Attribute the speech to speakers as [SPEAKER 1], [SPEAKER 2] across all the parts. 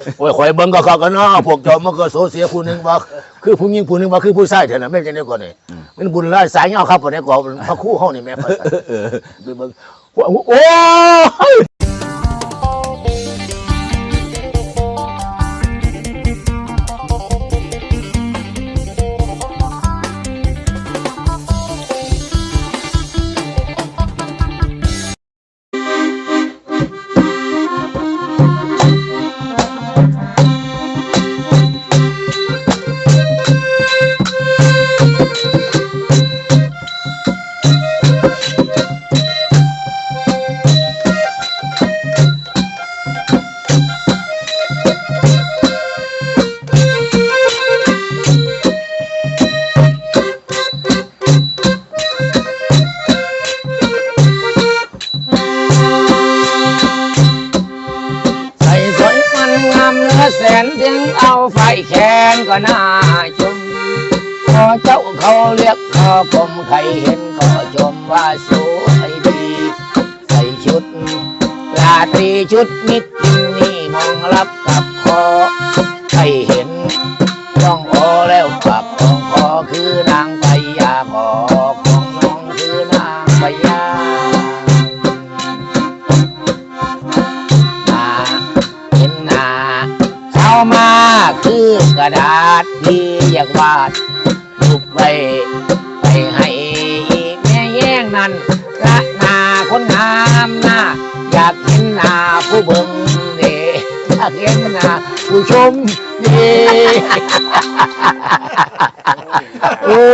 [SPEAKER 1] โอ้ยข่อยเบิ่งก็เขากันเนาะพวกเจ้ามันก็โซเสียผู้หนึงว่าคือผู้หญิงผู้หนึงว่าคือผู้ชายเท่านั้นแม่นจังได๋ก่อนนี่มันบุญหลายสายยาวครับบ่ได้ก็พระครูเฮานี่แม่ไปเบิ่งโอ้ย
[SPEAKER 2] แสนถึงเอาไฟแขนก็น่าชมพอเจ้าเขาเรียกขอผมใครเห็นก็ชมว่าสวยดีใส่ชุดราตรีชุดมิตรนี่มองรับกับคอใครเห็นต้องโอแล้วกับของคอคือนางพญาขอของน้องคือนางพญาเห็นหน้าเข้ามาคือกระดาษที่อยากวาดรูปไว้ไปให้แม่แย่งนั้นละหน้าคนงามหน้าอยากเห็นหน้าผู้เบิ่งเด้อยากเห็นหน้าผู้ชมเด้โอ้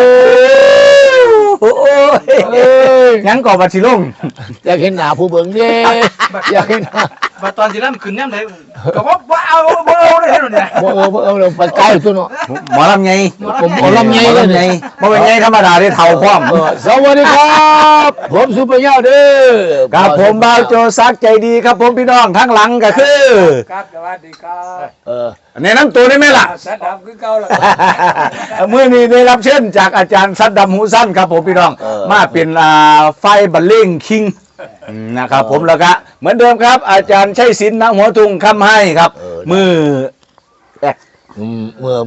[SPEAKER 2] ย
[SPEAKER 3] ยังก่อบัตรสิลง
[SPEAKER 2] อยากเห็นหน้าผู้เบิ่งเด้อยากเห็นหน้า
[SPEAKER 4] บัดตอนสิล่ำขึ้นย่ำไหนก็ว่าเอาเลยเห็นหรือเนี่ย
[SPEAKER 2] บ่เราไปไกลตัวเนาะ
[SPEAKER 3] หมอลำไง
[SPEAKER 2] ผมหมอลำไงเลยไง
[SPEAKER 3] บ่เป็นไงธรรมดาได้เท่าพร้อม
[SPEAKER 2] สวัสดีครับผมซุปเปอร์ยอดเด้อ
[SPEAKER 3] ครับผมบ่าวโจซักใจดีครับผมพี่น้องทั้งหลังก็คือ
[SPEAKER 4] ครับสวัสดีครับ
[SPEAKER 3] แนะนำตัวได้ไหมล่ะ
[SPEAKER 4] สัตว์ดำคือเก่าล่ะ
[SPEAKER 3] เมื่อนี้ได้รับเชิญจากอาจารย์สัตดำหูสั้นครับผมพี่น้องมาเป็นไฟบัลเล่งคิงนะครับผมแล้วก็เหมือนเดิมครับอาจารย์ชัยศิลป์ณหัวทุ่งคำให้ครับมือแอก
[SPEAKER 2] เมื่อ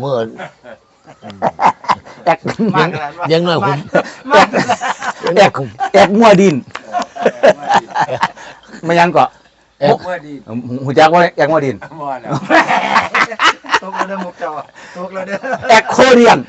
[SPEAKER 2] แอกยังน้อยผม
[SPEAKER 3] แอกมัวดินมายังเกาะ
[SPEAKER 4] แอกมัวดิน
[SPEAKER 3] หูจักว่าแอกมัวดิน
[SPEAKER 4] มัวแล้วตกแล้วเด้อมุกเจ้าตกแล้วเด้อ
[SPEAKER 3] แอกโคเรียน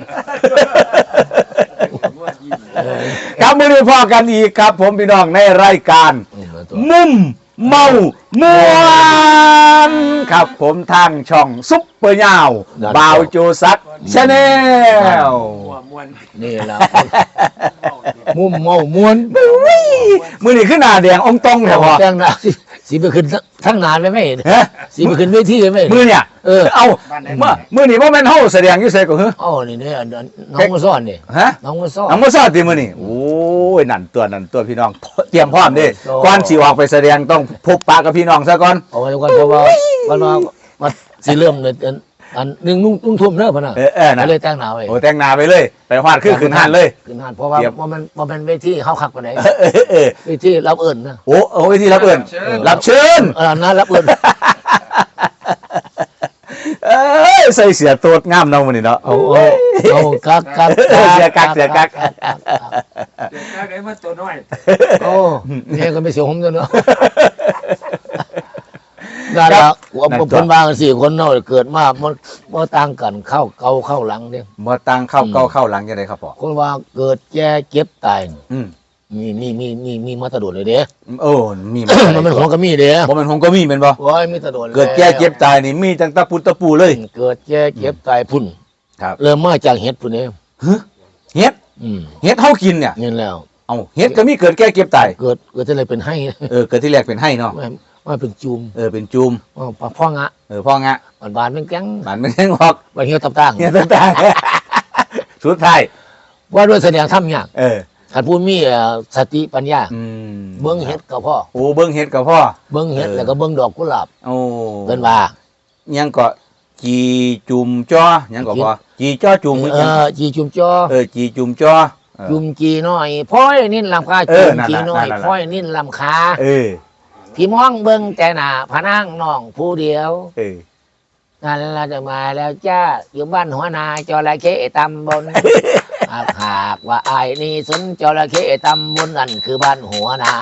[SPEAKER 3] ครับมือนี้พอกันอีกครับผมพี่น้องในรายการมุมเมามวนครับผมทางช่องซุปเปอร์ยาวบ่าวโจซักชาแนล
[SPEAKER 2] นี่แหละมุมเมามวน
[SPEAKER 3] มือนี้ขึ้นหน้าแดงองตรงแถว
[SPEAKER 2] แดงหน้าสีไปขึ้นทั้งงานเลยไหมสีไปขึ้นเวทีเลยไหม
[SPEAKER 3] มือเนี่ยเอามือนี่ว่าแม่นเฮาแสดงอยู่ไสก็คือ
[SPEAKER 2] อ๋อนี่เนี่ยน้องมาซ่อนนี่
[SPEAKER 3] ฮะ
[SPEAKER 2] น้องมาซ่อน
[SPEAKER 3] ติมือนี่โอ้ยนั่นตัวพี่น้องเตรียมพร้อมดิก่อนสิออกไปแสดงต้องพบปะกับพี่น้องซะก่อน
[SPEAKER 2] เอาไว้ก่อนเพราะว่ามันสิเริ่มเลยอันนึงนุ่งทุ่มเด้อพ่นน่ะเลยแต่งหน้าไว้
[SPEAKER 3] โอ้แต่งหน้าไปเลยไปฮอดขึ้นห้านเลย
[SPEAKER 2] ขึ้นห้านเพราะว่ามันเป็นเวทีเฮาคักปานใดเวทีรับเอิ้นนะ
[SPEAKER 3] โอ้เวทีรับเอิ้นรับเชิญ
[SPEAKER 2] นะรับเอิ้น
[SPEAKER 3] ใส่เสียโตดงามเนาะมื้อนี้เนาะ
[SPEAKER 2] โอ้กัก
[SPEAKER 3] เสียกัก
[SPEAKER 4] ไอ้มันตัวน้อย
[SPEAKER 2] โอ้นี่ก็ไม่เสียผมเนาะนั่นล่ะเพิ่นว่า4คนเนาะเกิดมาบ่ต่างกันเข้าเก่าเข้าหลังเด้
[SPEAKER 3] บ่ต่างเข้าเก่าเข้าหลังจังได๋ครับพ่อ
[SPEAKER 2] คนว่าเกิดแก่เจ็บตายมีมาตะโดดเลยเด้
[SPEAKER 3] มี
[SPEAKER 2] มันเป็นของก็มีเด้
[SPEAKER 3] บ่แม่นของก็มีแม่นบ่
[SPEAKER 2] โอ้ยมีตะโดด
[SPEAKER 3] เกิดแก่เจ็บตายนี่มีตั้งตะปุตะปูเลย
[SPEAKER 2] เกิดแก่เจ็บตายพุ่น
[SPEAKER 3] ครับ
[SPEAKER 2] เริ่มมาจากเห็ดพุ่นเด้
[SPEAKER 3] เห็ดเฮากินเนี่ย
[SPEAKER 2] นี่แล้ว
[SPEAKER 3] เห็ดก็มีเกิดแก่เก็บตาย
[SPEAKER 2] เกิดที่ไรเป็นให้
[SPEAKER 3] เกิดที่แรกเป็นให้เนาะ
[SPEAKER 2] ว่าเป็นจุ่ม
[SPEAKER 3] เป็นจุ่ม
[SPEAKER 2] พ่องะ
[SPEAKER 3] พ่องะ
[SPEAKER 2] บานเป็นแก๊ง
[SPEAKER 3] ออก
[SPEAKER 2] บานเหี่ยวตับต่าง
[SPEAKER 3] สุดท้าย
[SPEAKER 2] ว่าด้วยแสดงทำยากขันพูดมีสติปัญญาเบิ้งเห็ดกับพ่อ
[SPEAKER 3] เบิ้งเห็ดกับพ่อ
[SPEAKER 2] เบิ้งเห็ดแล้วก็เบิ้งดอกกุหลาบเป็นว่า
[SPEAKER 3] ยังก็จีจุ่มจ้อยังก็พ่อจีจ้อจุ่ม
[SPEAKER 2] จีจุ่มจ้อ
[SPEAKER 3] จีจุ่มจ้อ
[SPEAKER 2] จุ่มจีน้อยพ้อยนิ่นลำคาจุ่มจีน้อยพ้อยนิ่นลำคาพี่มองเบิ้งแต่หน้าพนังน้องผู้เดียวนั่นเราจะมาแล้วจ้าอยู่บ้านหัวนาจระเข้ตำบล หากว่าไอ้ายนี่สนจระเข้ตำบลนั่นคือบ้านหัวนา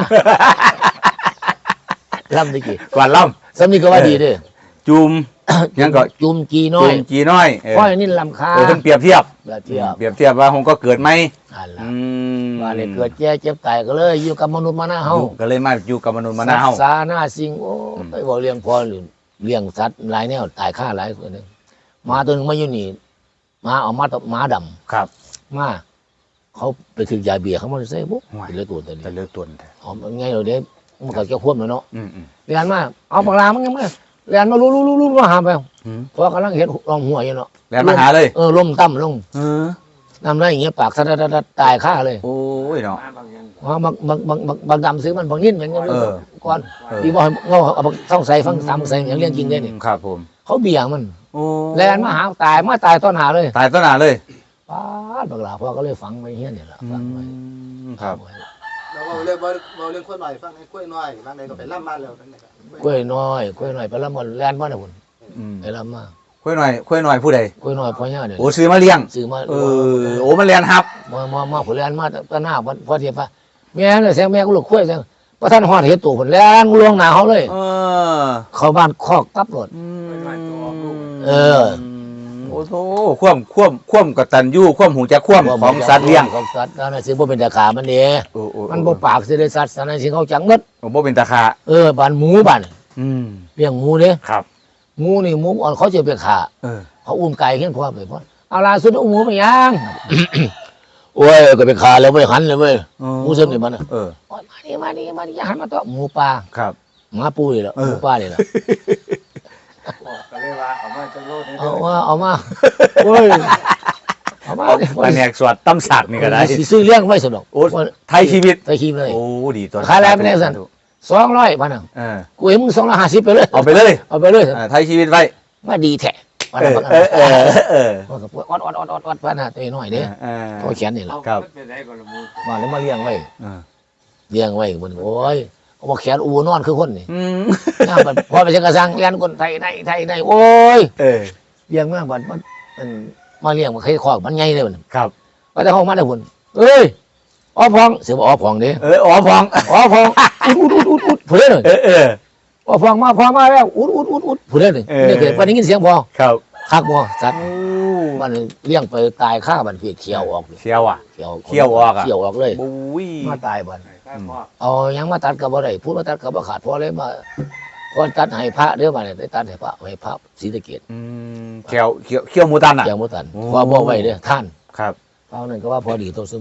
[SPEAKER 2] ลำดีกี่
[SPEAKER 3] กวนล่
[SPEAKER 2] สำนีก็ว่าดีเด้วย
[SPEAKER 3] ำจุ่มยังก็
[SPEAKER 2] จุ่มจีน้
[SPEAKER 3] จุ่
[SPEAKER 2] อย
[SPEAKER 3] มจีน้อย
[SPEAKER 2] ก้อยนี่ลำคา
[SPEAKER 3] เพิ่นเปรียบเทียบ
[SPEAKER 2] แบบเทียบ
[SPEAKER 3] เปรียบเทียบว่าคงก็เกิดไหม
[SPEAKER 2] อันละ
[SPEAKER 3] อืม
[SPEAKER 2] ว่าเลยเกิดแก่เจ็บตายก็เลยอยู่กับมนุษย์มาหน้าเฮา
[SPEAKER 3] อยู่ก็เลยมาอยู่กับมนุษย์มานาเฮา
[SPEAKER 2] สัตว์สาหน้าสิ่งโอ้ไปบอกเลี้ยงพอหรือเลี้ยงสัตว์หลายแนวตายฆ่าหลายคนนึงหมาตัวหนึงมาอยู่นี่หมาเอามาตัวหมาด
[SPEAKER 3] ครับ
[SPEAKER 2] ำมาเขาไปถึงยาเบียร์เขามาใส่ปุ๊บ
[SPEAKER 3] ห่วย
[SPEAKER 2] เป็นเลยตัวตัวนี้
[SPEAKER 3] แต่เลือกตัวแท้
[SPEAKER 2] อ๋อมันไงเราเด้มันก็จะควบเลยเนาะ
[SPEAKER 3] อืม
[SPEAKER 2] เรียนมาเอาปากลามันยังไม่เรียนมารู้มาหาไป
[SPEAKER 3] อืม
[SPEAKER 2] เพราะกำลังเห็นลองหัวอยู่เนาะ
[SPEAKER 3] แล้วมาหาเลย
[SPEAKER 2] ล้มตั้มลง
[SPEAKER 3] เออ
[SPEAKER 2] น้ำได้อย่างเงี้ยปากสะดัดตายฆ่าเลย
[SPEAKER 3] โอ้ยเนาะ
[SPEAKER 2] เพราะบางดำซื้อมันบางนิ่นอย่างเงี้ย
[SPEAKER 3] เออ
[SPEAKER 2] ก่อน
[SPEAKER 3] เออ
[SPEAKER 2] ที่บอกเอาต้องใส่ฟังซ้ำใส่อย่างเรื่องจริงได้เนี่ย
[SPEAKER 3] ครับผม
[SPEAKER 2] เขาเบี่ยงมัน
[SPEAKER 3] โอ้
[SPEAKER 2] แลนมาหาตายต้นหาเลย
[SPEAKER 3] ตายต้นหนาเลย
[SPEAKER 2] ป้าดบักหลาพ่อก็เลยฝังไว้เฮี้ยนเนี่ยแหละฝังไว้
[SPEAKER 3] ครับ
[SPEAKER 4] เราเรื่องเราเรื่องกล้วยหน่อยฟังให้กล้วยหน่อยบางใดก็ไปล่ำมาแล้วนั่นแหละ
[SPEAKER 2] กล้วยน้อยไปละมันแลนมาเนี่ยคุณ
[SPEAKER 3] อืม
[SPEAKER 2] ไปละมา
[SPEAKER 3] ค่อยหน่อยผู้ใด
[SPEAKER 2] กล้วยน้อยพ่อเนี่ยเนี่ย
[SPEAKER 3] โอ้ซื้อมาเลี้ยง
[SPEAKER 2] ซื้อมา
[SPEAKER 3] เออโอ้มันเรียนครับ
[SPEAKER 2] มาผลแลนมาตะหน้าพ่อเทียบว่าแม่เลยแซงแม่ก็ลูกกล้วยแซงพระท่านหอดเห็ดตัวผลแลนลวงหนาเขาเลย
[SPEAKER 3] เออ
[SPEAKER 2] เข้าบ้านคอกตับรถ เออ
[SPEAKER 3] โอ้โหความกตัญญูความหูจักความของสัตว์เลี้ยง
[SPEAKER 2] ของสัตว์นั่นน่ะสิบ่เป็นตาขามันเด้
[SPEAKER 3] โอ้โอ้
[SPEAKER 2] มันบ่ปากสิได้สัตว์นั่นสิเขาจังหมด
[SPEAKER 3] โอ้บ่เป็นตาคา
[SPEAKER 2] บ้านหมูบ้าน
[SPEAKER 3] อืม
[SPEAKER 2] เลี้ยงหมูเด้
[SPEAKER 3] ครับ
[SPEAKER 2] หมูนี่หมูอ่อนเขาจะไปขา
[SPEAKER 3] เออ
[SPEAKER 2] เขาอุ้มไก่ขึ้นพร้อมเลยพ่อเอาล่ะสุดเอาหมูไปย่าง โอ้ยก็ไปขาแล้วเว้ยหันเลยเว้ยหมูเส้นนี่มันน่ะ
[SPEAKER 3] เออ
[SPEAKER 2] โอ้ยมานี่อย่าหันมาต่อหมูปลา
[SPEAKER 3] ครับ
[SPEAKER 2] หมาปูนี่แหละ
[SPEAKER 3] เอ
[SPEAKER 2] ห
[SPEAKER 3] อ
[SPEAKER 2] มูปลานี่แหละ
[SPEAKER 4] ก็เลยว่าเอามาจะโลดให้
[SPEAKER 2] เอามาโอ้ยเอามา
[SPEAKER 3] แผนกสวดตำสักนี่ก็ได้
[SPEAKER 2] สิซื้อเลี้ยงไว้สนุก
[SPEAKER 3] โอ้ไทยชีวิต
[SPEAKER 2] ไทยชีวิตเลย
[SPEAKER 3] โอ้ดีตัว
[SPEAKER 2] ขายอะไรไม่ได้สั่น 200พันน่ะ
[SPEAKER 3] เออ
[SPEAKER 2] กูให้มึง250ไปเลย
[SPEAKER 3] เอาไปเลย
[SPEAKER 2] เอาไปเลย
[SPEAKER 3] ไทยชีวิตไว้
[SPEAKER 2] มาดีแท้ว่า
[SPEAKER 3] เอ
[SPEAKER 2] น่ะ
[SPEAKER 3] อเออเออ
[SPEAKER 2] ว่าก็อดพันน่ะตัวน้อยเด้
[SPEAKER 3] เออ
[SPEAKER 2] ตัวแขนนี่แหละ
[SPEAKER 3] ครับ
[SPEAKER 2] มาแล้วมาเลี้ยงไว้
[SPEAKER 3] เออ
[SPEAKER 2] เลี้ยงไว้มันโอ้ยเอามาแขนอูนอนคือคนนี่
[SPEAKER 3] อืม
[SPEAKER 2] น้ามันพอไปเช็คกระซังเลี้ยงคนไทยในโอ้ย
[SPEAKER 3] เออ
[SPEAKER 2] เลี้ยงมากมันมาเลี้ยงมันเคยคอกมันใหญ่เลยมัน
[SPEAKER 3] ครับ
[SPEAKER 2] ก็จะเข้ามาได้ผลเอ้ยอ๋อพองเสียบอกอ๋อพองเด้
[SPEAKER 3] อ๋อพอง
[SPEAKER 2] อ๋อพองอุดผู้เล่นเลย
[SPEAKER 3] เออ
[SPEAKER 2] อ๋อพองมาแล้วอุดผู้เล่นเลยนี่เกิดวันนี้ยินเสียงพอ
[SPEAKER 3] ครับ
[SPEAKER 2] คักบ่สัตว์มันเลี้ยงไปตายฆ่ามันเพียเขียวออก
[SPEAKER 3] เชียวอ่ะ
[SPEAKER 2] เขียว
[SPEAKER 3] เขี้ยวออกอะ
[SPEAKER 2] เขียวออกเลย
[SPEAKER 3] บุ้ย
[SPEAKER 2] มาตายบันเอายังมาตัดกับบ่ได้พูดมาตัดกับบ่ขาดพอเลยมาพอตัดให้พระเด้อมาเนี่ยได้ตัดให้พระให้พระศรีสะเกษ
[SPEAKER 3] เขี้ยวหมูตันอ่ะ
[SPEAKER 2] อย่างบ่ตัน
[SPEAKER 3] โอ้
[SPEAKER 2] พอบ่ไว้เด้อท่าน
[SPEAKER 3] ครับ
[SPEAKER 2] เอานั่นก็ว่าพอดีตัวซึม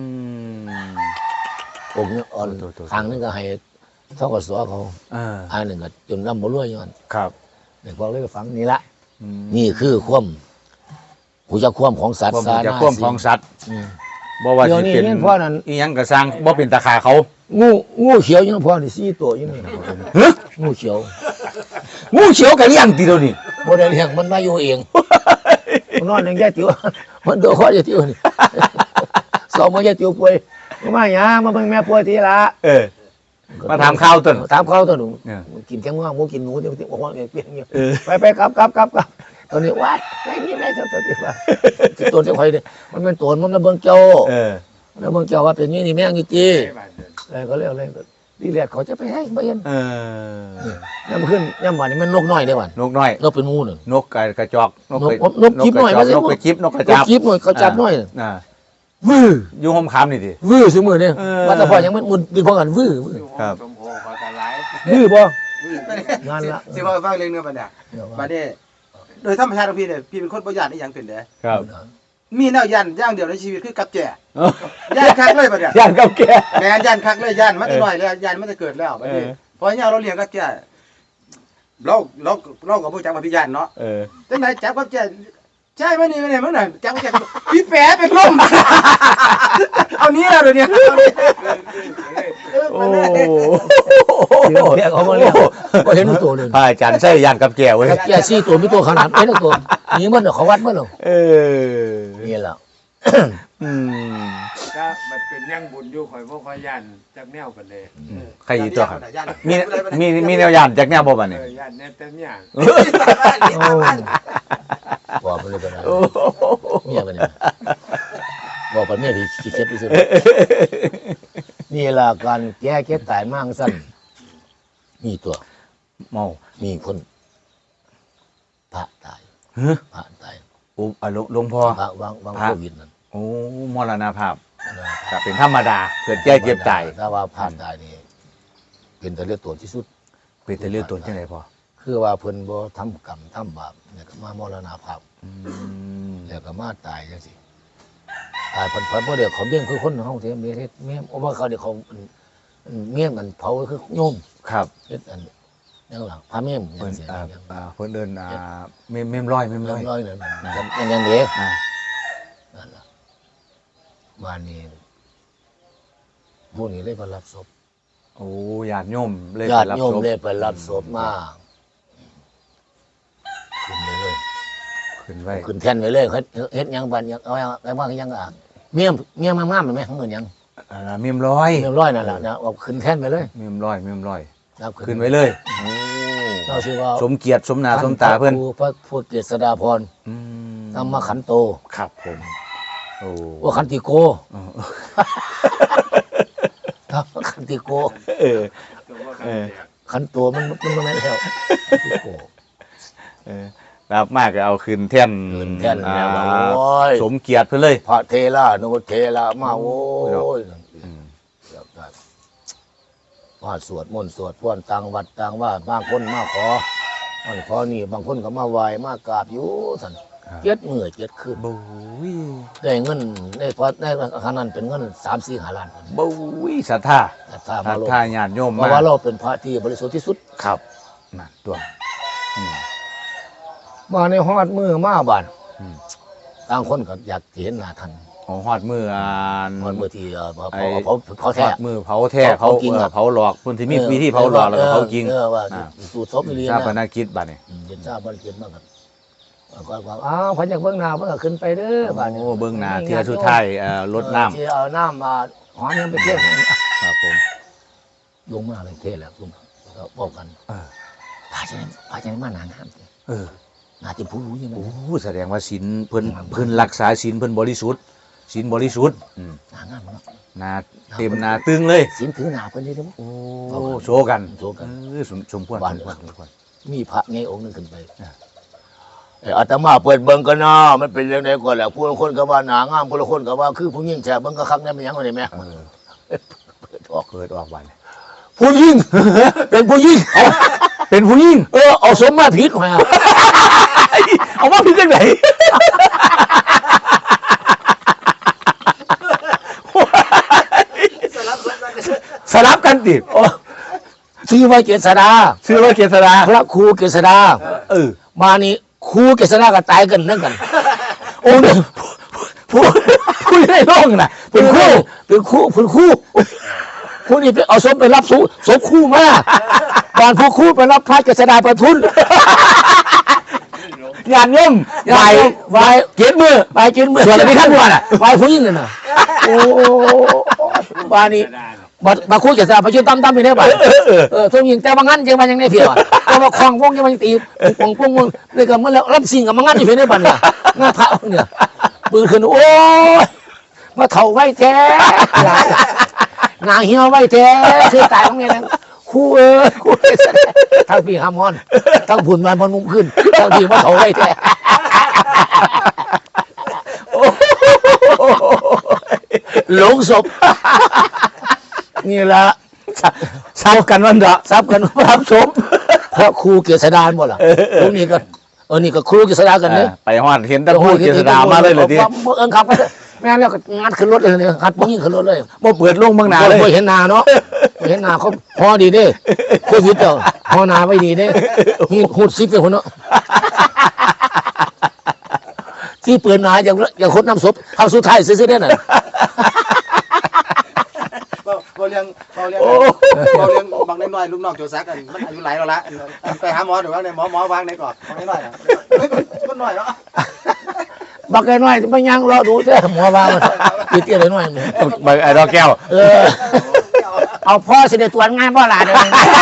[SPEAKER 2] องค์นี้อ่อน
[SPEAKER 3] ตัว
[SPEAKER 2] ทางนึงก็ให้ทกสเขาอันหนึ่งก็จนร่ำบ่รวยย้อน
[SPEAKER 3] ครับ
[SPEAKER 2] นี่พอเลยฟังนี่ละนี่คือความผู้จักความของสัตว์
[SPEAKER 3] ความจะควมของสัตว์
[SPEAKER 2] อืม
[SPEAKER 3] บ่ว่า
[SPEAKER 2] เดี๋ยว
[SPEAKER 3] สิ
[SPEAKER 2] นี้
[SPEAKER 3] เป็น
[SPEAKER 2] เนี่ยพ่อนั่น
[SPEAKER 3] อีหยังกระสร้างบ่เป็นตาขาเขา
[SPEAKER 2] งูเขียวยังพอนี่4ตัวอยู่นี่งูเขียว
[SPEAKER 3] งูเขียวก็เลี้ยงติเดี๋ยวนี้
[SPEAKER 2] บ่ได้เลี้ยงมันมาอยู่เองมันนอนอย่างแย่ติ๋วมันตัวคอแย่ติ๋วนี่สองมื้อแย่ติ๋วป่วยมาหยังมาเบิ่งแม่ป่วยทีละ
[SPEAKER 3] มาถามข้าวต้น
[SPEAKER 2] ถามข้าวต้นหนู
[SPEAKER 3] เนี่ย
[SPEAKER 2] กินแค่ง่วงหมูกินหนูเดี๋ยวบอกว่าเปลี่ยนเงี้ย
[SPEAKER 3] เออ
[SPEAKER 2] ไปกลับตอนนี้วัดไอ้นี่ไม่ชอบตัวที่ว่าตัวที่ใครเนี่ยมันเป็นตัวมันระเบิงเจ้าระเบิงเจ้าว่าเป็นนี่นี่แม่งจีอะไรก็เรียกอะไรดีแรกเขาจะไปให้เบียนย่ำขึ้นย่ำวันนี้มันนกน้อยได้วัน
[SPEAKER 3] นกน้อย
[SPEAKER 2] นกเป็นงูหนึ่ง
[SPEAKER 3] นกกระจอก
[SPEAKER 2] นกจิ๊บหน่อยไม่ใช่
[SPEAKER 3] นกกระจิบนกกระ
[SPEAKER 2] จั
[SPEAKER 3] จั
[SPEAKER 2] บบ จิ๊บหน่อยเขาจับหน่อยวื้อ
[SPEAKER 3] อยู่ห้องคำนี่ดิ
[SPEAKER 2] วื้อสมือเนี่ยว่าแต่พอยังมันมุนดีพอกันวื้อ
[SPEAKER 3] ครับ
[SPEAKER 2] วื้อบ่งานละ
[SPEAKER 4] สิว่าฟังเรื่องเนื้อปัญญาบัดนี้โดยธรรมชาติของพี่เนี่ยพี่เป็นคนบ่ย่านอีหยังเป็นเด้
[SPEAKER 3] ครับ
[SPEAKER 4] มีแนวย่านอย่างเดียวในชีวิตคือกับแจย่านคักเลยบัดเนี่ย
[SPEAKER 3] ย่างกับแก
[SPEAKER 4] แม่นย่านคักเลยย่านมาแต่น้อยแล้วย่านมาแต่เกิดแล้วบัดนี้พอเนี่ยเราเลี้ยงกับแจเราก็บ่จักว่าพี่ย่านเนาะจังไดจับกับแจใช่มั้ยนี่มั้ยมึงน่ะจับกับแจพี่แฝเป็นลมเอานี้แล้วเดี๋ยวนี้
[SPEAKER 3] โอ้
[SPEAKER 2] เรียกเขามาเรียกก็เห็นตัวเลย
[SPEAKER 3] พระอาจารย์ใช่ย่างกับแกเว้ย
[SPEAKER 2] แก่4ตัวมีตัวขนาดเป็นตัวนี่มันเขาวัดมันหรอ
[SPEAKER 3] เออ
[SPEAKER 2] นี่แหละ
[SPEAKER 5] ก็มันเป็นย่างบุญอยู่ข่อยบ่ค่อยย่านจักแนวปานใด
[SPEAKER 3] ใครอีกตัวครับมีแนวย่านจากแนวบ่บัดนี้
[SPEAKER 5] ย่านแน่แต่ย่าง
[SPEAKER 1] บอกไปเลยก็ได้เมียกันเนี่ยบอกไปเมียที่ขี้เกียจที่สุดนี่ล่ะการแก้เก็บตายมั่งสั้นมีตัว
[SPEAKER 3] เมา
[SPEAKER 1] มีคนพระตาย
[SPEAKER 3] เฮ้อ
[SPEAKER 1] พระตาย
[SPEAKER 3] โอ้หลวงพ่อ
[SPEAKER 1] พระวางโควิดนั่น
[SPEAKER 3] โอ้มรณภาพก็เป็นธรรมดาเกิดแก่เจ็บตาย
[SPEAKER 1] ถ้าว่าพระตายนี่เป็นแต่เลือดตัวที่สุด
[SPEAKER 3] เป็นแต่เรื่องตนจังได๋พ่อ
[SPEAKER 1] คือว่าเพิ่นบ่ทำกรรมทำบาปเนี่ยก็มามรณภาพ
[SPEAKER 3] อืม
[SPEAKER 1] แล้วก็มาตายจังซี่ตายเพิ่นบ่ได้เขาเบี้ยงคือคนเฮาที่มีเฮ็ดแม่เพราะว่าเขาเดี๋ยวเขาเมี่ยงกันเผาคือโยม
[SPEAKER 3] ครับ
[SPEAKER 1] เฮ็ดอันยังหลังพระเมี่ยง
[SPEAKER 3] เพิ่น
[SPEAKER 1] เสีย
[SPEAKER 3] เพิ่นเดินเมมร้อย
[SPEAKER 1] ร้อยนั่นยังเด็ก
[SPEAKER 3] อ่า
[SPEAKER 1] นั่นล่ะบ้านนี้พวกนี้เลยไปรับศพ
[SPEAKER 3] โอ้ญาติโยมเลย
[SPEAKER 1] ญา
[SPEAKER 3] ไป
[SPEAKER 1] ติ
[SPEAKER 3] รับ
[SPEAKER 1] โยม
[SPEAKER 3] ศพ
[SPEAKER 1] เลยไปรับศพมาขึ้นไปเลย
[SPEAKER 3] ขึ้นไว้
[SPEAKER 1] ขึ้นแท่นไปเลยเฮ็ดหยังบ้านยังเอาอะไรบ้างยังอ่ะเมี่ยงมากๆมันไหมของเงินยัง
[SPEAKER 3] เมมร้อย
[SPEAKER 1] เรียบร้อยนั่นแหละนะเอาขึ้นแท่นไปเลย
[SPEAKER 3] เมมร้อย
[SPEAKER 1] ครับ
[SPEAKER 3] ขึ้นไว้เลย
[SPEAKER 1] เราชื่อว่า
[SPEAKER 3] สมเกียรติสมหน้าสมตาเพิ่น
[SPEAKER 1] พระพุทธเกษดาพร
[SPEAKER 3] อืม
[SPEAKER 1] ธรรมขันโต
[SPEAKER 3] ครับผมโอ้
[SPEAKER 1] ว่าขันติโก
[SPEAKER 3] เออ
[SPEAKER 1] ธรรมขันติโก
[SPEAKER 3] เออ
[SPEAKER 5] ตัวว่า
[SPEAKER 3] เออ
[SPEAKER 1] ขันโตมันไม่แล้วขันติโก
[SPEAKER 3] เออรับมากก็เอาขึ้นแท่น
[SPEAKER 1] ขึ้นแท่นแล้ว
[SPEAKER 3] อ่า
[SPEAKER 1] โอ้ย
[SPEAKER 3] สมเกียรติเพิ่นเลย
[SPEAKER 1] พระเทระโนเทระมาโอ้ย
[SPEAKER 3] อืม
[SPEAKER 1] ว่าสวดมนต์สวดพ้นต่างวัดต่างว่าบางคนมาขอนี่บางคนก็มาไหว้มากราบอยู่สันเจ็ดมื้อเจ็ดคืน
[SPEAKER 3] บุ้ย
[SPEAKER 1] ได้เงินได้พอได้ขนาดนั้นเป็นเงิน3-4 ล้าน
[SPEAKER 3] บุ้ยศรัทธา
[SPEAKER 1] แต่ถ้า
[SPEAKER 3] ศ
[SPEAKER 1] มา
[SPEAKER 3] รัท
[SPEAKER 1] ลง
[SPEAKER 3] ธาญาติโยม
[SPEAKER 1] เพ
[SPEAKER 3] มา
[SPEAKER 1] ราะว่าเราเป็นพระที่บริสุทธิ์ที่สุด
[SPEAKER 3] ครับนั่นตัวอืม
[SPEAKER 1] มาในฮอดมือมาบาน
[SPEAKER 3] อืม
[SPEAKER 1] ต่างคนก็อยากเห็นหน้าท่าน
[SPEAKER 3] ของฮอดมืออ่าน
[SPEAKER 1] ฮอดมือที่
[SPEAKER 3] ไอ้
[SPEAKER 1] เผา
[SPEAKER 3] ฮ
[SPEAKER 1] แท้
[SPEAKER 3] อดมือเผาแท้
[SPEAKER 1] เผาจริงอะ
[SPEAKER 3] เผาหลอกเพิ่นสิมีวิธีเผาหลอกแล้วก็เผาจริง
[SPEAKER 1] ว่า
[SPEAKER 3] อ่า
[SPEAKER 1] สูตรศพอีหลี
[SPEAKER 3] ชาป
[SPEAKER 1] นะ
[SPEAKER 3] นกิจบัดนี้
[SPEAKER 1] เห็นทราบบ่เก็บมากันก็อ้าวพันจากเบื้องหน้าเพิ่นก็ขึ้นไปเด้อบาดนี้
[SPEAKER 3] โอ้เบิ่งหน้าเที่ยสุดท้ายรดน้ำ
[SPEAKER 1] ที่เอาน้ำมาหอมยังไปเที่ยว
[SPEAKER 3] ครับผม
[SPEAKER 1] ลงมาเลยเทแล้วลงก็บอกกัน
[SPEAKER 3] เออ
[SPEAKER 1] พาจะมาหนางามเด้
[SPEAKER 3] เออ
[SPEAKER 1] น่าจะผู้รู้ยังไง
[SPEAKER 3] โอ้แสดงว่าศีลเพิ่นรักษาศีลเพิ่นบริสุทธิ์ศีลบริสุทธิ์อืม
[SPEAKER 1] หนางามเนาะ
[SPEAKER 3] หน้าเต็มหน้าตึงเลย
[SPEAKER 1] ศีลถือหน้าเพิ่นนี่เด้อ
[SPEAKER 3] โอ้โชว์กัน
[SPEAKER 1] โชว์กัน
[SPEAKER 3] สมควร
[SPEAKER 1] บ้าน
[SPEAKER 3] สมควร
[SPEAKER 1] มีพระไงองค์หนึงขึ้นไปอาตมาเปิดเบิ่งกันเนาะมันเป็นเรื่องใดก่อนแหละผู้ละคนก็ว่าหนางามผู้ละคนก็ว่าคือผู้หญิงแฉเบิ่งก็คักแน่มันหยังว่าได้แม่
[SPEAKER 3] เออ
[SPEAKER 1] เปิดออก
[SPEAKER 3] เกิดออกวัน
[SPEAKER 1] ผู้หญิง เป็นผู้หญิง
[SPEAKER 3] เป็นผู้หญิง
[SPEAKER 1] เอาสมมาผิดมา
[SPEAKER 3] เอามาพี่กันไหน สลับกันติ
[SPEAKER 1] ชื่อว่าเกษดา
[SPEAKER 3] ชื่อว่าเกษรา
[SPEAKER 1] พระครูเกษดา
[SPEAKER 3] เออ
[SPEAKER 1] มานี่ครูเกษดาก็ตายกันนั่นกัน โอ้เนี่ยผู้ได้ร้องน่ะเป็นครูผู้นี้ไปเอาสมไปรับศพครูมาบ้านผู้ครูไปรับพระเกษดาประทุน
[SPEAKER 3] งานย่อมไหวเกียรติมือ
[SPEAKER 1] ไปกินเมื่อ
[SPEAKER 3] ส่วนอะไรที่ท่านว่าน่ะ
[SPEAKER 1] ไปผู้หญิงน่ะโอ้บ้านนี้มาคุยกับสาไปช่วยตั้มไปได้บ่ทุกยิงแต่ว่างั้นยังมันยังได้เพียวแต่ว่าคลองวงยังมันตีปงเลยก็เมื่อแล้วรับสิ่งกับมันงั้นอยู่เพียงได้บ่เนี่ยงาพระเนี่ยปืนขึ้นโอ้ยมาเถ่าไว้แท้งาเหี่ยวไว้แท้คือตายของไงนั่นคู่คู่ทั้งพี่ฮามอนทั้งผุนมันมันงุ้มขึ้นทั้งพี่มาเถ่าไว้แท้หลงศพนี่ละ
[SPEAKER 3] ทราบกันวันเดาะ
[SPEAKER 1] ทราบกันว่ารับศพเพราะครูเกษดาหมดล่ะตรงนี้ก็นี่ก็ครูเกษดากันเนี่ย
[SPEAKER 3] ไปฮอดเห็นตะพูดเกษดามาเลยเลยที
[SPEAKER 1] ขับแม่แล้วก็งัดขึ้นรถเลยเนี่ยงัดปุ๊บยิงขึ้นรถเลย
[SPEAKER 3] บ่เปิดลงเมืองนาเลย
[SPEAKER 1] บ่เห็นนาเนาะบ่เห็นนาเขาพอดีเด้โควิดเจ้าพอนาไว้ดีเด้มีหูดซิปเลยคนเนาะที่เปื่อนนาอย่างคนน้ำศพทำสุดท้ายซื้อได้น่ะ
[SPEAKER 4] เราเลี้ยงบางน้อยลูกน้องโจซักกันมันอายุหลายแล้วละไปหาหมอหรือว่าในหมอวางในกรอบของน้อยคนน้อยเนาะ
[SPEAKER 1] บักไอ้น้อยไม่ยังรอดูเด้อหมอว่ามันเตี้ยเลยน้อย
[SPEAKER 3] เบิกไอ้ดอกแก้ว
[SPEAKER 1] เอาพ่อสิได้ตรวจงานบ่ล่ะเด้อ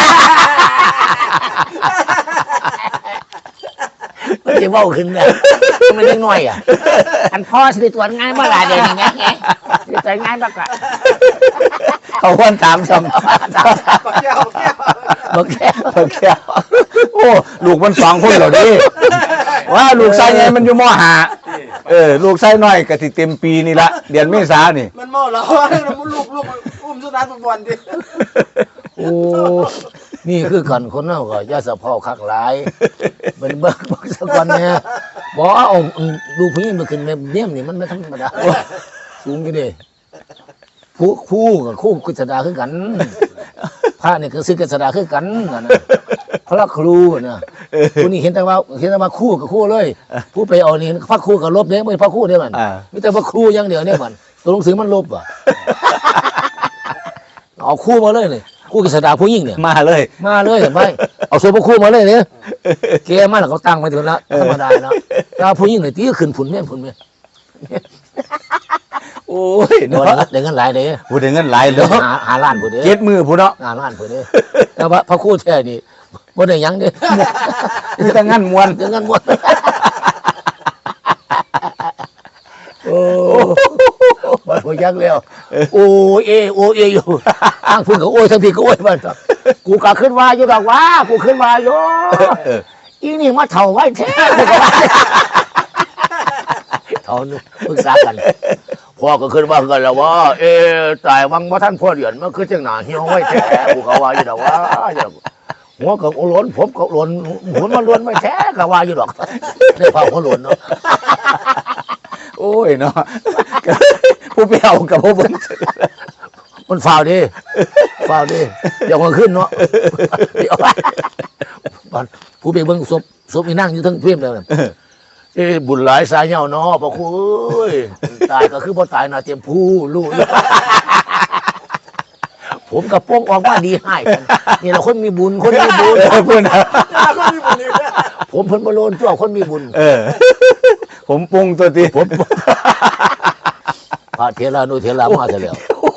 [SPEAKER 1] มันจะเว้าขึ้นเนี่ยมันยังน้อยอ่ะอันพ่อสิได้ตรวจงานบ่ล่ะเด้อนี่แม่สิตรวจงานบักอ่ะ
[SPEAKER 3] เขาควรถามซ้ำ
[SPEAKER 4] บักแก้ว
[SPEAKER 1] บักแก้ว
[SPEAKER 3] เบิกแก้วโอ้ลูกมันสองคนเหรอดิว่าลูกชายไงมันอยู่มห้าลูกชายน้อยก็สิเต็มปีนี่ละเดือนเมษานี่
[SPEAKER 4] มันเมาแล้วมันลูกอุ้มสุนัขบอลดิ
[SPEAKER 1] โอ้นี่คือกันคนเฮาก็อย่าสะเพาคักหลายเป็นเบิ่งสักวันแน่บ่เอาดูผู้หญิงมันขึ้นแม่เยี่ยมนี่มันไม่ธรรมดาสูงอยู่เด้คู่กับคู่กฤษฎาคือกันพระนี่คือศิษย์กฤษฎาคือกันนั่นน่ะพระครูน่ะผู้นี้เห็นแต่ว่าคู่กับคู่เลยผู้ไปเอานี่พระครูกับลบเด้ไม่พระครูเด้มันมีแต่พระครูอย่างเดียวเนี่ยมันตัวหนังสือมันลบอ่ะเอาคู่มาเลยนี่คู่กฤษฎาผู้หญิงเนี่ย
[SPEAKER 3] มาเลย
[SPEAKER 1] เห็นไหมเอาโซบคู่มาเลยเนี่ยเกมาแล้วเขาตั้งไว้ถึงแล้วธรรมดาเนาะถ้าผู้หญิงเนี่ยตีขึ้นผุนแม่ผุนแม่
[SPEAKER 3] โอ้ย
[SPEAKER 1] เดี๋ยว
[SPEAKER 3] เนาะ
[SPEAKER 1] เดี๋ยวเงินหลายเด้
[SPEAKER 3] พูดถึงเงินหลาย
[SPEAKER 1] เดี๋ยว
[SPEAKER 3] เนาะ
[SPEAKER 1] หาล้านผู้เด้
[SPEAKER 3] เจ็ดมือพูดเนาะ
[SPEAKER 1] หาล้านผู้เด้แต่ว่าพระครูแท้นี่บ่ได้หยังเด้
[SPEAKER 3] คือแต่งานมวน
[SPEAKER 1] เดี๋ยวเงินหมดโอ้บ่ฮู้จักแล้วโอ้เออยู่ทางพุ่นก็โอ้ยทางพี่ก็โอ้ยมันกูก็ขึ้นว่าอยู่ดอกว่ากูขึ้นว่าอยู่อีนี่มาเฒ่าไว้แท้เฒ่านึกปรึกษากันพ่อก็ขึ้นว่ากันแล้วว่าตายวังบ่ทันพ่อเดือนมันคือจังหน้าเหี่ยวไว้แท้กูก็ว่าอยู่ดอกว่าหัวก็หล่นผมก็หล่นหัวมันหล่นไว้แท้ก็ว่าอยู่ดอกได้พ่อหัวหล่นเนาะ
[SPEAKER 3] โอ้ยเนาะผู้ไปเอากับผู้เบิ่ง
[SPEAKER 1] มันฟาวดิอย่ามาขึ้นเนาะผู้ไปเบิ่งศพอีนั่งอยู่ทั้งเพียมเลยบุญหลายสายเหย้าเนาะพ่อครูเอ้ยตายก็คือบ่ตายน่ะเต็มผู้รู้ผมกับป้องออกมาดีให้กันนี่แหละคนมีบุญเพิ่น ผมเพิ่นบ่โลนตัวคนมีบุญ
[SPEAKER 3] ผมปรุงตัวที
[SPEAKER 1] ผมพระเถระนุเถระมาซะแล้ว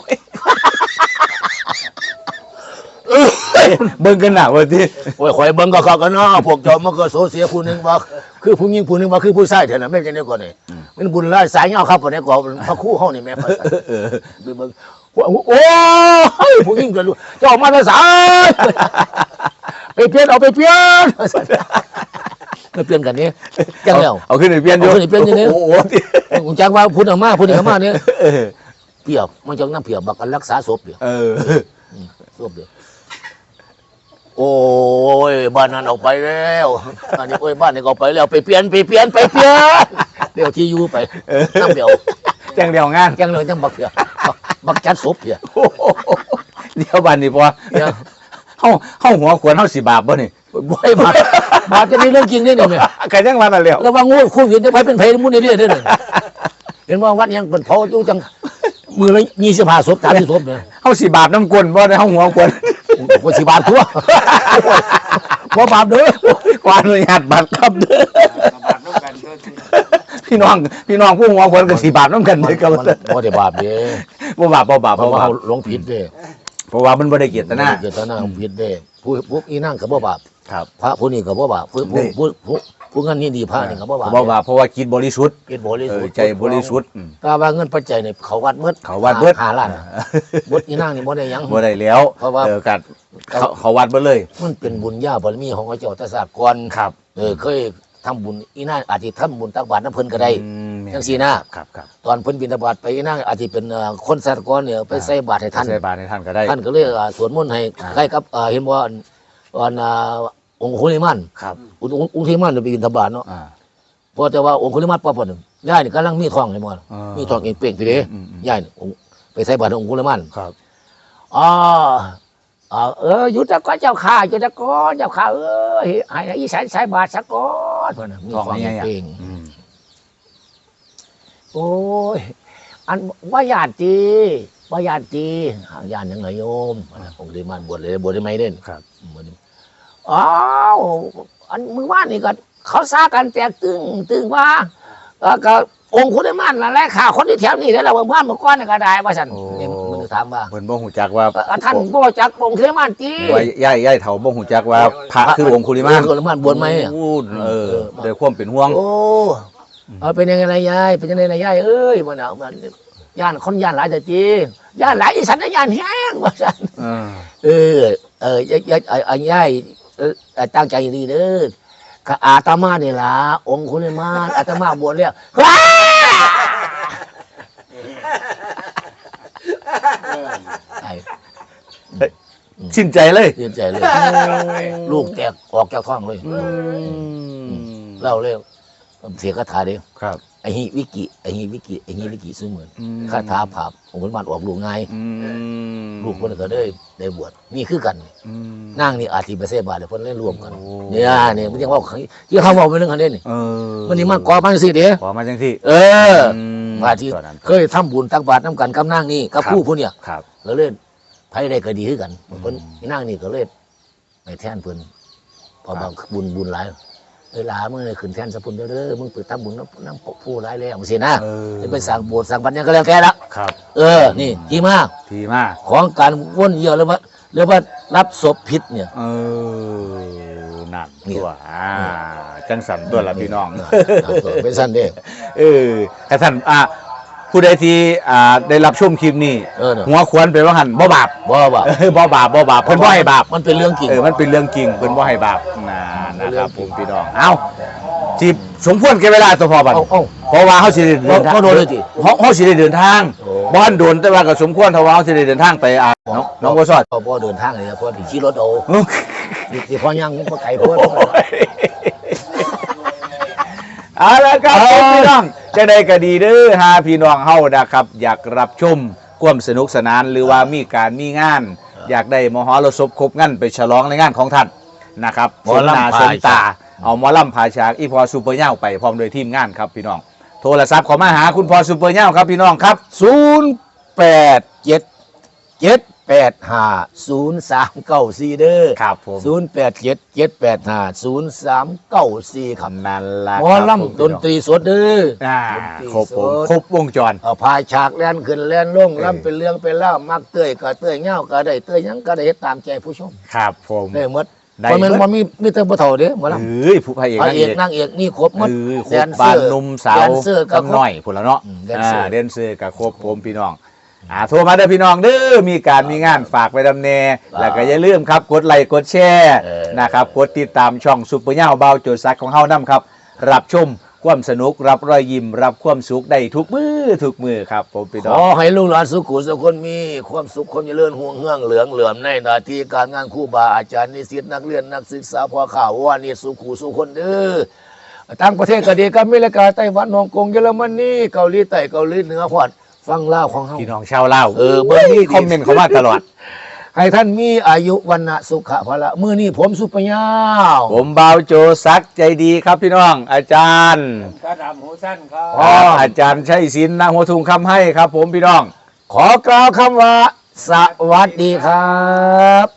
[SPEAKER 3] เบิ่งกันหนักว่าที
[SPEAKER 1] โอ้ยข่อยเบิ่งก็เข้ากันเนาะพวกเจ้ามันก็โซเสียผู้หนึงว่าคือผู้หญิงผู้หนึงว่าคือผู้ชายเท่านั้นแม่นจังได๋ก่อนนี่มันบุญหลายสายเหย้าครับบ่ได้ก็พระครูเฮานี่แม่ไปเบิ่งโอ้ยผู้หญิงก็รู้เจ้ามาแต่สายไปเปลี่ยนไปเปลี่ยนกันนี่จังแล้ว
[SPEAKER 3] เอาขึ้นไปเปลี่ยนอยู่
[SPEAKER 1] เอาขึ้นไปเปลี่ยนอยู่นี่
[SPEAKER 3] โอ้โห
[SPEAKER 1] ผมจังว่าพูดออกมาเนี่ยเปรียบมันจังน้ำเปรียบบักกันรักษาศพเดียวศพเดียวโอ้ยบ้านนั้นออกไปแล้วอันนี้โอ้ยบ้านนี้ก็ออกไปแล้วไปเปลี่ยนเดี๋ยวที่อยู่ไปน้ำเดียว
[SPEAKER 3] แจ้งเดียวงาน
[SPEAKER 1] จังเลยจังบักเปรียบบักจัดศพเดียว
[SPEAKER 3] เดี๋ยวบันนี่พอเข้าหัวขวนเข้าสิบาปบ่นี่
[SPEAKER 1] บ่อยมาจะมีเรื่องจริงนี่เนี่ย
[SPEAKER 3] ใครแจ้งมาแต่เร็ว
[SPEAKER 1] แล้วว่างูคู่หินจะไปเป็นไผมุ่นนี่เนี่ยเห็นว่าวัดยังเป็นเผาอยู่จังมือละ25ศพ30ศพเนี่ย
[SPEAKER 3] เข้าสิบาปน้ำกลนบ่ได้เข้าหัวขวน
[SPEAKER 1] คนสิบาททั่วบ่บาปเด้อ
[SPEAKER 3] กวาดเลยหัดบาปครับเด้อบ
[SPEAKER 5] าดน้ำกันก็สิ
[SPEAKER 3] พี่น้องผู้หัวขวนกับสิบาปน้ำกันเลยครับ
[SPEAKER 1] บ่ได้บาปเด้
[SPEAKER 3] บ่บาป
[SPEAKER 1] เพราะว่าเขาหลงผิดเด้
[SPEAKER 3] เพราะว่ามันบ่ได้เกียรตินะ
[SPEAKER 1] เจตนาผิดเด้ผู้อีนั่งก็บ่บาป
[SPEAKER 3] ครับ
[SPEAKER 1] พระผู้นี้ก็บ่บาปผู้งั้นนี่ดีพระนี่ก็บ่บาป
[SPEAKER 3] บ่บาปเพราะว่าคิดบริสุทธิ์
[SPEAKER 1] กินบริสุทธิ์
[SPEAKER 3] ใจบริสุทธิ์
[SPEAKER 1] ถ้าว่าเงินปัจจัยนี่เขาวัดหมด
[SPEAKER 3] เขาวัดเบิด
[SPEAKER 1] 5ล้านบดอีนั่งนี่บ่ได้หยัง
[SPEAKER 3] บ่ได้แล้ว
[SPEAKER 1] เพราะว่า
[SPEAKER 3] กัดเขาวัดบ่เลย
[SPEAKER 1] มันเป็นบุญญาบารมีของพระเจ้าตสากร
[SPEAKER 3] ครับ
[SPEAKER 1] เคยทำบุญอีนั่งอาจจะทำบุญตักบาตรน้ำเพิ่นก็ได้จังซี่นะครับ ตอนเพิ่นบิณฑบาตไปอีนั่งอาจจะเป็นคนสากรเนี่ยไปใส่บาตรให้ท่าน
[SPEAKER 3] ใส่บาตรให้ท่านก็ได้
[SPEAKER 1] ท่านก็เลยสวดมนต์ให้ใกล้กับเห็นว่าองค์คุลิมาน
[SPEAKER 3] ครับ
[SPEAKER 1] องค์คุลิมานไปบิณฑบาตเนาะพอแต่ว่าองค์คุลิมานปั๊บนึงย่ายนี่กำลังมีทองให้หมดมีทองเป่งๆพี่เด้ย่ายไปใส่บาตรองค์คุลิมาน
[SPEAKER 3] ครับ
[SPEAKER 1] อยู่ตะก้อนเจ้าข้าอยู่ตะก้อนเจ้าข้าให้อีสานใส่บาตรสักก้อนเพิ่นน่ะมีทองเป่งโอ้ยอันว่าญาติญาติยังไงโยมองค์คุลิมานบวชได้ไหมเด่น
[SPEAKER 3] ครับ
[SPEAKER 1] อ้าวอันมือว่านนี่ก็เขาซากันแตกตึงว่าก็
[SPEAKER 2] องค์คุณได้มั่นละแลกข่าวคนที่แถวนี้แล้วเราเมื่อก้อนก็ได้ว่าฉันนี่มันถามว่า
[SPEAKER 3] เพิ่นบ่ฮู้จักว่า
[SPEAKER 2] ท่านบ่จักองค์คุณได้มั่นจี
[SPEAKER 3] ว่าย่ายเฒ่าบ่ฮู้จักว่าพระคือองคุลิมาน
[SPEAKER 2] องค์คุณได้มั่นบวชไหม
[SPEAKER 3] โอ้โดยความเป็นห่วง
[SPEAKER 2] โอ้เป็นยังไงล่ะยายเป็นยังไงล่ะยายเอ้ยมันเอามันย่านคนย่านหลายแต่จีย่านหลายอีสันย่านแห้งว่าฉันยายตั้งใจดีเด้ออาตมาเนี่ยล่ะองค์คุณได้มั่นอาตมาบวชแล้ว
[SPEAKER 3] ชินใจเลย
[SPEAKER 2] เสียใจเลยลูกแตกออกจากท้องเลยเล่าเร็วเสียคาถาเดียว
[SPEAKER 3] ครับ
[SPEAKER 2] ไอ้ฮิวิกิซึ่งเหมือนคาถาผาองค์ขุนมันออกลูกไงลูกคนก็ได้บวชนี่คือกันนั่งนี่อาทิเปเสบาเดี๋ยวคนเล่นรวมกันเนี่ยมันยังว่าที่เขาบอกเป็นเรื่องคันนี้นี่มันนี่มากอมันสิเด้
[SPEAKER 3] ขอมาจังที่
[SPEAKER 2] มาที่เคยทำบุญตักบาตรน้ำกันกับนั่งนี่กับผู้เนี่ย
[SPEAKER 3] ครับ
[SPEAKER 2] ก็เล่นไพ่ได้ก็ดีขึ้นกันคนนั่งนี่ก็เล่นในแท่นเพิ่นพอบางบุญหลายเวลาเมื่อขึ้นแท่นสะพุนเด้อมึงเปิดทำบุญน้ำผู้ร้ายแล้วสินะจะไปสั่งโบสถ์สั่งบัญญัติก็แล้วแค่ละ
[SPEAKER 3] ครับ
[SPEAKER 2] นี่ที่มาก
[SPEAKER 3] ทีมาก
[SPEAKER 2] ของการว่นเยี่ยวหรือว่ารับศพพิษเนี่ย
[SPEAKER 3] นั่นตัวจังสันตัวละพี่น้อง
[SPEAKER 2] เป็นสั้นเด้
[SPEAKER 3] กระสันผู้ใดที่ได้รับชมคลิปนี้หัวควรไปว่าหันบ่บาป
[SPEAKER 2] บ่บาป
[SPEAKER 3] บ่บาปเพิ่นบ่ให้บาป
[SPEAKER 2] มันเป็นเรื่องจริง
[SPEAKER 3] มันเป็นเรื่องจริงเพิ่นบ่ให้บาปนะครับผมพี่น้องเอาจีบสมควรแก่เวลาตัวพอบัดเพราะว่าเฮาสิได้เดินทาง
[SPEAKER 2] ก็โดนเลยจิ
[SPEAKER 3] เฮาสิได้เดินทางบ่ทันโดนแต่ว่าก็สมควรเท่าว่าเฮาสิได้เดินทางไปน้องบ่ซอด
[SPEAKER 2] พ่อเดินทางเลยพ่อที่ขี่รถเอาที่พ่อยังพ่อไก่พ่อ
[SPEAKER 3] เอาละครับพี่น้องจะได้ก็ดีเด้อหาพี่น้องเฮานะครับอยากรับชมความสนุกสนานหรือว่ามีการมีงาน อยากได้มหรสพครบงั้นไปฉลองในงานของท่านนะครับสมนาสมตาเอาหมอลำผาฉากอีพอซูเปอร์เน่าไปพร้อมโดยทีมงานครับพี่น้องโทรศัพท์ขอมาหาคุณพอซูเปอร์เน่าครับพี่น้องครับ
[SPEAKER 2] 0877850394เด้อ
[SPEAKER 3] ครับผม
[SPEAKER 2] 0877850394ครับ
[SPEAKER 3] นั่นล่ะ
[SPEAKER 2] หมอลำดนตรีสดเด้อ
[SPEAKER 3] ครบผมครบวงจร
[SPEAKER 2] พายฉากแล่นขึ้นแล่นลงลำเป็นเรื่องเป็นเล่ามักเตยก็เตยเงาก็ได้เตยยังก็ได้เฮ็ดตามใจผู้ชม
[SPEAKER 3] ครับผม
[SPEAKER 2] ได้หมดเพราะมันมีแต่บ่เฒ่าเด้หมอลำ
[SPEAKER 3] ผู้พระเอก
[SPEAKER 2] พระเอกนางเอกนี่ครบหมด
[SPEAKER 3] ครบบานนุ่มสาว
[SPEAKER 2] แดนเซอร์ก็ครบ
[SPEAKER 3] กำหน่อยพุ่นละเนาะ
[SPEAKER 2] แดนเซอร์
[SPEAKER 3] เดนเซอร์กับครบผมพี่น้องโทรมาเด้อพี่น้องเด้อมีการมีงานฝากไปดำเนแล้วก็อย่าลืมครับกดไลค์กดแชร์นะครับกดติดตามช่องซุปเปอร์เน่าเบาโจซักของเฮานํครับรับชมความสนุกรับรอยยิ้มรับความสุขได้ทุกมือครับผมพี่น้
[SPEAKER 2] ข
[SPEAKER 3] อง
[SPEAKER 2] อให้ลูกหลานสุขุสุขคนมีความสุขคนเจริญห่วงเฮืองเหลืองเหลื่อมในหน้าที่การงานครูบาอาจารย์นิสิตนักเรียนนักศึกษาพ่อข่าวว่านี่สุขุสุขคนเด้อต่างประเทศก็ดีกับอเมริกาไต้หวันฮ่องกงเยอรมนีเกาหลีใต้เกาหลีเหนือพอดฟังเล่าของเฮา
[SPEAKER 3] พี่น้องชาวลาว
[SPEAKER 2] เบิ่งนี่
[SPEAKER 3] คอมเมนต์เข้ามาตลอด
[SPEAKER 2] ให้ท่านมีอายุวันนะสุขะพละมื้อนี้ผมสุปยาว
[SPEAKER 3] ผมเบาโจซักใจดีครับพี่น้อง อาจารย์
[SPEAKER 5] กระดำหูสั้นครับ
[SPEAKER 3] อาจารย์ชัยศิลป์นางหัวทุงคำให้ครับผมพี่น้อง
[SPEAKER 2] ขอกล่าวคำว่าสวัสดีครับ